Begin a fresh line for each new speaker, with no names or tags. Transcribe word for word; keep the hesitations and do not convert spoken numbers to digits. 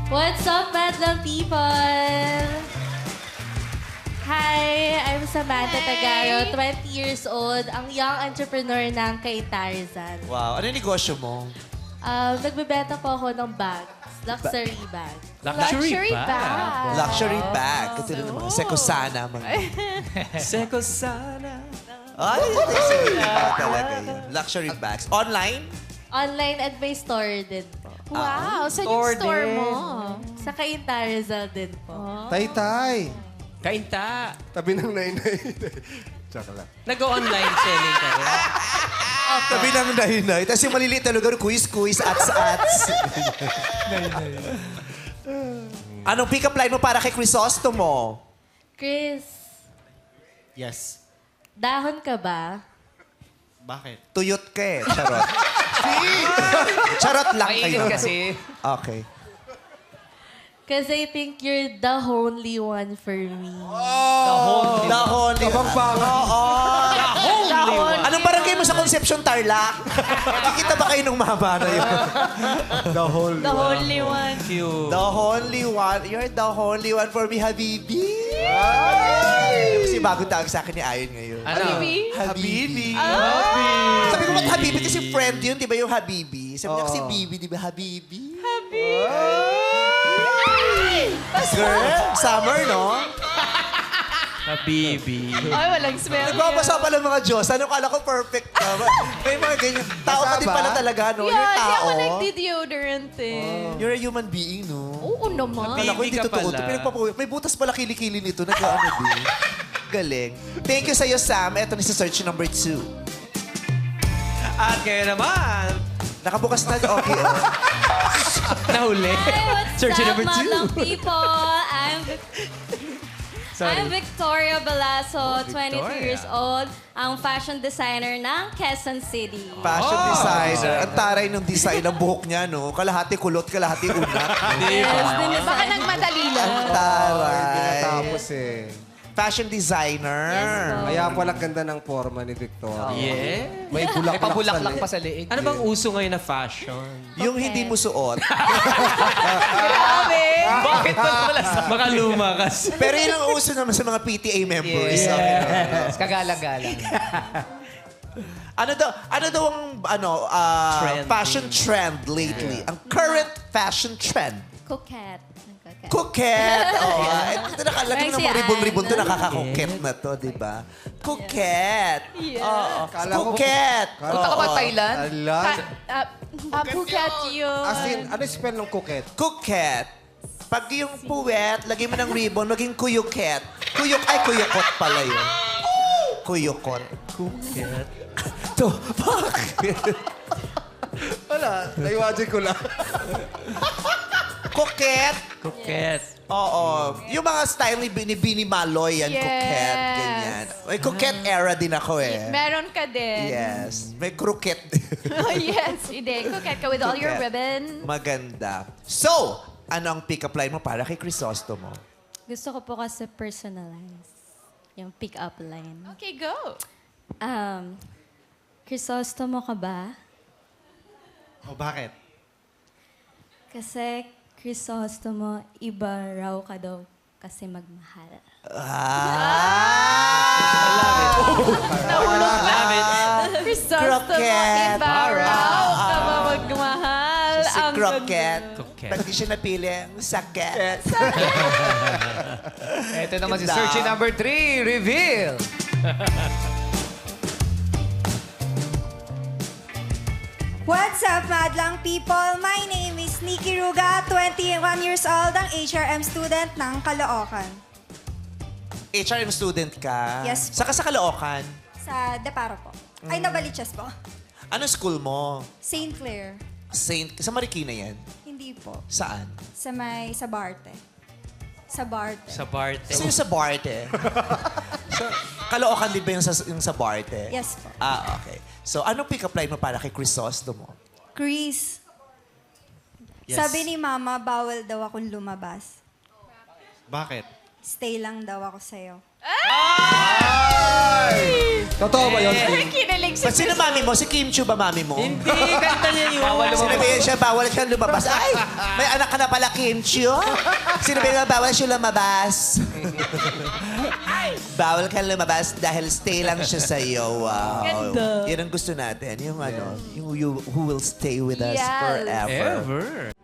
What's up, madlang people? Hi, I'm Samantha
Hi.
Tagaro, twenty years old, ang young entrepreneur ng kay Tarzan.
Wow. Ano yung negosyo mo?
Um, nagbebenta po ako ng bags, luxury bags.
Luxury bag.
Luxury bag. Ito na naman. Sekosana. Mga...
Sekosana.
Ay, luxury bag talaga yun. Luxury bags. Online?
Online at may store din po.
Wow, saan
Store
yung store
din.
mo?
Sa kay Tarzan din po.
Tay-tay.
Kainta.
Tabi ng nainay. Tsaka lang.
Nag-online selling ka rin.
Sabi ng dahinay. Tapos yung maliliit na lugar, quiz-quiz, ats-ats. Anong pick-up line mo para kay Crisostomo?
Chris,
Yes.
dahon ka ba?
Bakit?
Tuyot ka eh. Charot. Charot lang kayo.
Mainit kasi.
Okay.
Because I think you're the only one for me.
The Holy...
Kapampangan.
Oo.
The only
Anong barangay mo sa Concepcion, Tarlac? Nakikita ba kayo nung mama na yun?
The whole
The only one.
Cute.
The only one. You're the only one for me, Habibi. Kasi bago tawag sa akin ni Ayon ngayon.
Ano?
Habibi.
Habibi.
Sabi ko, ba't Habibi? Kasi friend yun, di ba yung Habibi? Sabi niya kasi Bibi, di ba? Habibi. Girl, summer, no?
Habibi.
Ay, walang smell.
Nagbabasa pala mga Diyos. Ano kala ko perfect ka? May mga ganyan. Tao ka din pala talaga, no? You're
Yeah, di
tao.
ako nagdi-deodorant eh.
You're a human being, no?
Oo naman.
Kala ko hindi
Bibi ka
totoo.
pala.
Pinagpapawi. May butas pala kilikili nito. Nag-ano din. Galing. Thank you sa'yo, Sam. Ito ni sa search number two.
At ngayon naman,
Nakabukas na. Okay.
nahuli.
Hi, what's
Search
up,
number two.
madlang people? I'm I'm Victoria Balaso, twenty-two years old, ang fashion designer ng Quezon City.
Fashion
Oh.
designer. Ang taray ng design ng buhok niya, no? Kalahati kulot, kalahati unat.
Yes, din
Baka nagmadali lang.
Ang taray.
Pinatapos eh.
Fashion designer.
Yes, po.
Kaya pala ganda ng forma ni Victoria.
Yeah.
May bulaklak,
May pabulaklak
sa
pa sa liig.
Ano bang uso ngayon na fashion?
Yung hindi mo suot.
Bakit ba wala sa... Baka luma kasi.
Pero yun ang uso naman sa mga P T A members.
Yeah.
Okay.
Yes, kagalang-galang.
Ano daw, ano daw ang ano, ah,
Trend.
fashion trend lately? Ang current fashion trend.
Coquette. Coquette.
Coquette. Oh, ah, ito nakalagay ng
Ay, si
mga ribbon-ribbon to,
Ann.
nakaka-coquette na to, di ba? Coquette.
Yeah.
Oo.
Kala ko-
Coquette.
Punta ka ba
Oo.
Thailand?
Ala.
Ah, ah, Phuket yun.
As in, ano yung spell ng coquette?
Coquette. Pag yung puwet, lagay mo ng ribbon, maging kuyuket. Kuyuk, ay kuyukot pala yun. Kuyukot.
Coquette.
To, bakit?
Wala, naiwajin ko lang.
Coquette.
Coquette.
Oo. Yung mga style ni Bini, Bini Maloy, yan,
Yes.
coquette, ganyan. May coquette era din ako eh.
Meron ka din.
Yes. May croquette.
Oh, yes, hindi. Coquette ka with all your
Coquette.
ribbon.
Maganda. So, ano ang pick-up line mo para kay Crisostomo?
Gusto ko po kasi personalize yung pick-up line.
Okay, go.
Um, Crisostomo ka ba?
O bakit?
Kasi Crisostomo, iba raw ka daw kasi magmahal.
Ah!
Love it.
Crisostomo,
Croquette.
iba raw ka ba magmahal?
Si
Ang
Croquette.
Croquette.
Pag di siya napili, ang sakit.
Ito naman si
Ganda.
search number three. Reveal.
What's up, madlang people? My name is Nikki Ruga, twenty-one years old, ang H R M student ng Caloocan.
H R M student ka?
Yes po.
Saka sa Caloocan.
Sa Deparo po. Ay, Nabaliches po.
Ano school mo?
Saint Clair.
Saint... Sa Marikina yan?
Hindi po.
Saan?
Sa may, sa Barte. Sa Barte.
Sa Barte.
Kasi yung sa Barte. so, Caloocan din ba yung sa, yung sa Barte?
Yes po.
Ah, okay. So, anong pick-up line mo para kay Crisostomo?
Chris,
Yes.
sabi ni Mama, bawal daw akong lumabas.
Bakit?
stay lang daw ako sa'yo.
Totoo ba yun?
Kinilig si
Ba't sino mami mo? Si Kim Chu ba mami mo?
Hindi, kanta niya yun.
Bawal lumabas.
Sinabihan siya, bawal siya lumabas. Ay, may anak ka na pala, Kim Chu. Sinabihan, bawal siya lumabas. Bawal ka lumabas dahil stay lang siya sa'yo. Wow.
Ganda.
Yan ang gusto natin. Yung ano, yung you, who will stay with us
Yes.
forever.
Ever.